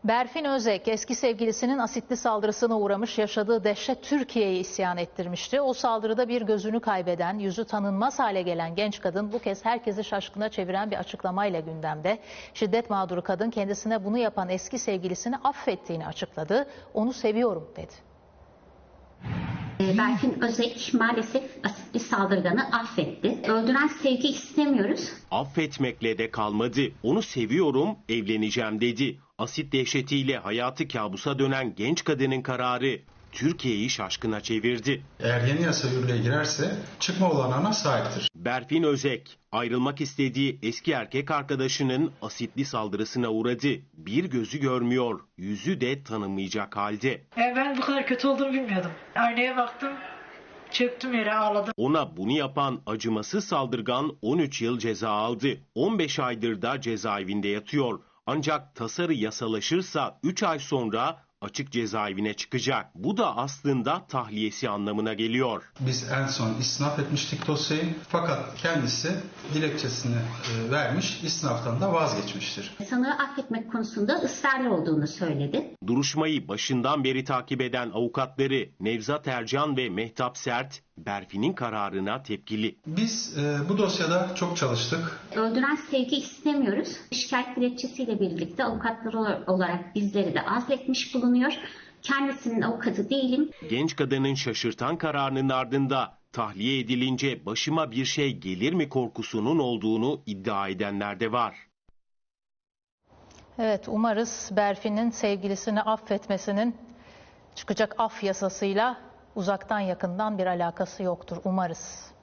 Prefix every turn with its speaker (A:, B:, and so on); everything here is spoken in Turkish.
A: Berfin Özek eski sevgilisinin asitli saldırısına uğramış, yaşadığı dehşet Türkiye'yi isyan ettirmişti. O saldırıda bir gözünü kaybeden, yüzü tanınmaz hale gelen genç kadın bu kez herkesi şaşkına çeviren bir açıklamayla gündemde. Şiddet mağduru kadın kendisine bunu yapan eski sevgilisini affettiğini açıkladı. Onu seviyorum dedi.
B: Berfin Özek maalesef asitli saldırganı affetti. Öldüren sevgi istemiyoruz.
C: Affetmekle de kalmadı. Onu seviyorum, evleneceğim dedi. Asit dehşetiyle hayatı kabusa dönen genç kadının kararı Türkiye'yi şaşkına çevirdi.
D: Eğer yeni yasa yürürlüğe girerse çıkma olanağına sahiptir.
C: Berfin Özek ayrılmak istediği eski erkek arkadaşının asitli saldırısına uğradı. Bir gözü görmüyor, yüzü de tanınmayacak halde.
E: Ben bu kadar kötü olduğunu bilmiyordum. Aynaya baktım, çöktüm yere, ağladım.
C: Ona bunu yapan acımasız saldırgan 13 yıl ceza aldı. 15 aydır da cezaevinde yatıyor. Ancak tasarı yasalaşırsa 3 ay sonra açık cezaevine çıkacak. Bu da aslında tahliyesi anlamına geliyor.
D: Biz en son istinaf etmiştik dosyayı, fakat kendisi dilekçesini vermiş, istinaftan da vazgeçmiştir.
B: Sanığı affetmek konusunda ısrarlı olduğunu söyledi.
C: Duruşmayı başından beri takip eden avukatları Nevzat Ercan ve Mehtap Sert, Berfin'in kararına tepkili.
D: Biz bu dosyada çok çalıştık.
B: Öldüren sevgi istemiyoruz. Şikayet dilekçesiyle birlikte avukatlar olarak bizleri de azletmiş bulunuyor. Kendisinin avukatı değilim.
C: Genç kadının şaşırtan kararının ardında tahliye edilince başıma bir şey gelir mi korkusunun olduğunu iddia edenler de var.
A: Evet, umarız Berfin'in sevgilisini affetmesinin çıkacak af yasasıyla uzaktan yakından bir alakası yoktur. Umarız.